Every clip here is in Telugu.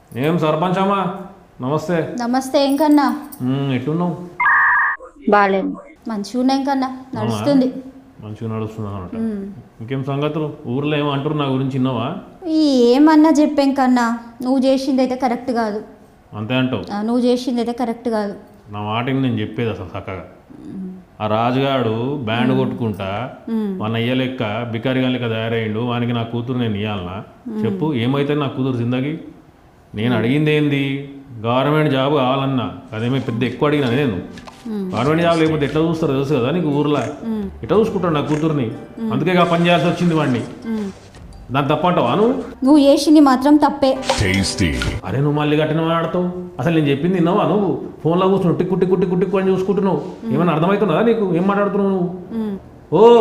ఏం సర్పంచ్ అమ్మా నమస్తే. నమస్తే. ఏం కన్నా ఎట్టున్నావు? బాగాలేదు. మంచిగా ఉన్నాయి కన్నా, నడుస్తుంది. మంచిగా నడుస్తుంది అన్నమాట. ఇంకేం సంగతులు? ఊర్లో ఏమో అంటారు నా గురించి విన్నావా? ఏమన్నా చెప్పాం కన్నా, నువ్వు చేసింది అయితే కరెక్ట్ కాదు. అంతే అంటావు? నువ్వు చేసింది అయితే కరెక్ట్ కాదు. నా మాటకి నేను చెప్పేది అసలు చక్కగా. ఆ రాజుగాడు బ్యాండ్ కొట్టుకుంటా మన అయ్య లెక్క బికారిగా లెక్క తయారయ్యిండు. వానికి నా కూతురు నేను ఇవ్వాలనా? చెప్పు, ఏమైతే నా కూతురు జిందగీ? నేను అడిగింది ఏంది? గవర్నమెంట్ జాబ్ కావాలన్నా. అదేమో పెద్ద ఎక్కువ అడిగినా నేను. గవర్నమెంట్ జాబ్ లేకపోతే ఎట్లా చూస్తారు తెలుసు కదా నీకు? ఊర్లో ఎట్లా చూసుకుంటాడు నా కూతుర్ని? అందుకే పని చేయాల్సి వచ్చింది వాడిని. దాన్ని తప్పంటావా నువ్వు? నువ్వు చేసింది మాత్రం తప్పే. అరే నువ్వు మళ్ళీ కట్టిన మాట్లాడతావు. అసలు నేను చెప్పింది విన్నావా నువ్వు? ఫోన్లో కూర్చున్నావు టిక్కు టిక్కు టిక్కు టిక్కు అని చూసుకుంటున్నావు. ఏమైనా అర్థమవుతున్నదా నీకు? ఏం మాట్లాడుతున్నావు నువ్వు? ఓ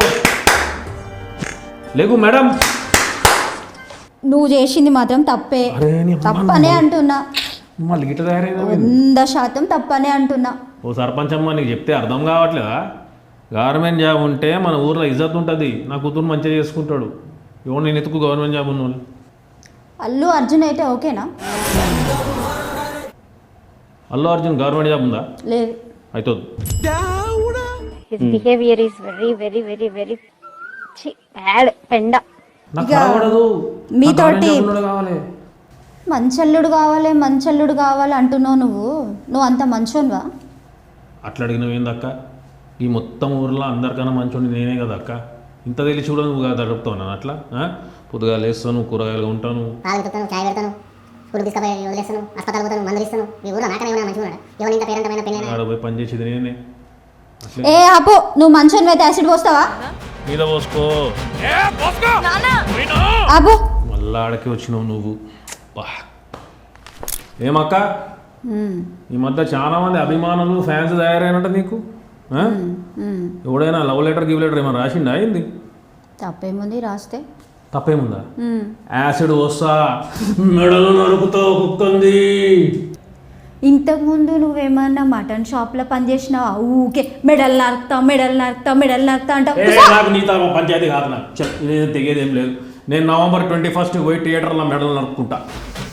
లేకు మేడం, నువ్వు చేసింది మాత్రం తప్పే. తప్పనే అంటున్నా. మళ్ళీ గిట్ట తయారైందా? 100% తప్పనే అంటున్నా. ఓ సర్పంచ్ అమ్మ, నీకు చెప్తే అర్థం కావట్లేదా? గవర్నమెంట్ జాబ్ ఉంటే మన ఊర్లో ఇజ్జత్ ఉంటుంది. నా కూతురు మంచిగా చేసుకుంటాడు. ఎవరు నేను ఎత్తుకు గవర్నమెంట్ జాబ్ ఉన్న వాళ్ళు. అల్లు అర్జున్ అయితే ఓకేనా? అల్లు అర్జున్ గవర్నమెంట్ జాబ్ ఉందా? లేదు. అవుతుంది. His behavior is very, very, very, very bad. పెండ. నాకు కనబడదు. మీతోటి కావాలి మంచల్లుడు కావాలి, మంచల్లుడు కావాలి అంటున్నావు. నువ్వు అంత మంచోనివా? అట్లా అడిగినవి ఏందక్క? ఈ మొత్తం ఊర్లో అందరికన్నా మంచోని నేనే కదా అక్క. ఇంత తెలిసి కూడా నువ్వు కదా అడుగుతావు నన్ను అట్లా? పొద్దుగా లేస్తాను, కూరగాయలు ఉంటాను, పాలు పెడతాను, చాయ్ పెడతాను, స్కూల్ తీసుకుపోయి వదిలేస్తాను, హాస్పిటల్ పోతాను, మందులు ఇస్తాను. మీ ఊళ్ళో నాకనే ఏమైనా మంచిగా ఉన్నాడు? ఎవరు ఇంత పేరంతమైన పెళ్ళైనా ఆడ పోయి పని చేసేది నేనే. ఏ అప్పు, నువ్వు మంచోనివి అయితే యాసిడ్ పోస్తావా? మీద పోసుకో. అబ్బు మళ్ళా ఆడకి వచ్చినావు నువ్వు. ఏమక్క, ఈ మధ్య చాలా మంది అభిమానులు ఫ్యాన్స్ తయారైనట్టు నీకు. ఎవడైనా లవ్ లెటర్ గివ్ లెటర్ ఏమైనా రాసిండా? అయింది తప్పేముంది రాస్తే? తప్పేముందా? యాసిడ్ వస్తా మెడలు నరుకుతావు కుక్కంది. ఇంతకుముందు నువ్వేమన్నా మటన్ షాప్లో పనిచేసినావా? ఊకే మెడల్ నరుకుతా అంటావు. నాకు నీతో పంచాయతీ కాదు. నాకు ఇదేం తెగేదేం లేదు. నేను November 21 పోయి థియేటర్లో మెడలు నరుక్కుంటా.